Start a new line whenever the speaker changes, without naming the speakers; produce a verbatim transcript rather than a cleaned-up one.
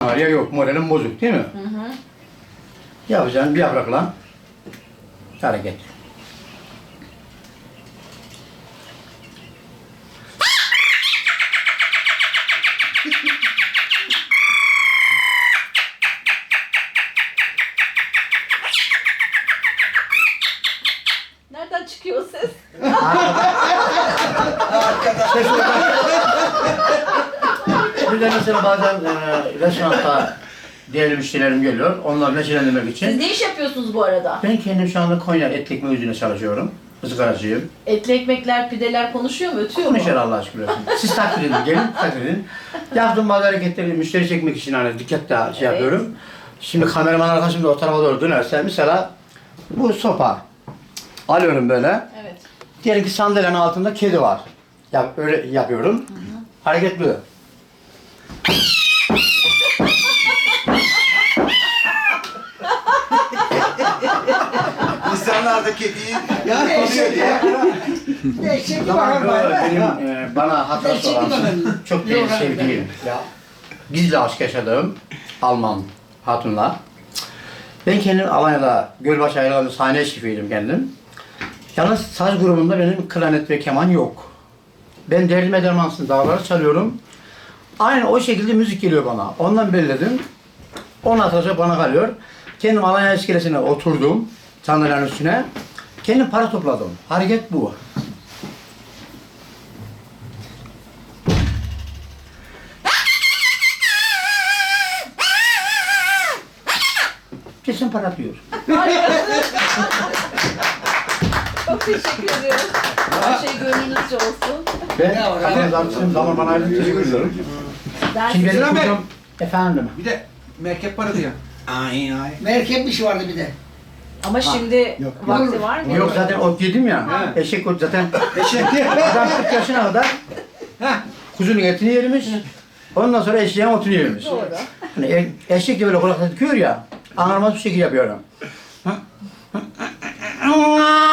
Ya yok, moralim bozuk değil mi?
Hı hı.
Yapacağın bir yaprakla hareket.
Nereden çıkıyor o ses?
İşte şurada. Bir de mesela bazen e, restoranda değerli müşterilerim geliyor. Onları neşelendirmek
Siz
için.
ne iş yapıyorsunuz bu arada?
Ben kendim şu anda Konya et ekmeği üzerine çalışıyorum. Izgaracıyım.
Etli ekmekler, pideler konuşuyor mu, ötüyor mu?
Konuşar Allah aşkına. Siz takdir edin, gelin takdir edin. Yaptığım bazı hareketleri müşteri çekmek için hani dikkatle şey
Evet.
yapıyorum. Şimdi kameraman arkadaşım da o tarafa doğru dönerse mesela bu sopa alıyorum böyle.
Evet.
Diyelim ki sandalyenin altında kedi var. Yap, öyle yapıyorum. Hı hı. Hareket bu.
İnsanlar da kediyi
Ya
koruyor
eşek
diye.
ya. Eşek gibi
Zaman
bakar
böyle
bana.
benim e, bana hatası
Eşek
olan
gibi bakar.
çok değil sevdiğim. Ya, gizli aşk yaşadığım Alman hatunla. Ben kendim Alanya'da Gölbaşı Ayralı'nda sahne şefiydim kendim. Yalnız saz grubunda benim klarnet ve keman yok. Ben derdime dermansız dağları çalıyorum. Aynen o şekilde müzik geliyor bana. Ondan belirledim. Ondan sonra bana kalıyor. Kendim Alanya iskelesine oturdum. Sandalyenin üstüne. Kendim para topladım. Hareket bu. Kesin para diyor.
Çok teşekkür ediyorum. Her şey gönlünüzce olsun.
Ben
Ya,
kadın dansçıyım, zaman bana ayrı teşekkür ediyorum.
Ben
Şimdi
size...
benim
Sıra
kocam... Efendim?
Bir de merkep para diyor. Ay ay.
Merkep bir şey vardı bir de.
Ama şimdi
yok.
vakti var mı?
Yok zaten ot yedim ya.
Ha.
Eşek ot zaten.
Eşek.
Adam kırk yaşına kadar
Heh.
kuzunun etini yermiş. Ondan sonra eşeğin otunu yermiş.
Doğru.
Hani e- eşek de böyle kulakta tıkıyor ya. Anlamaz bir şekilde yapıyorum.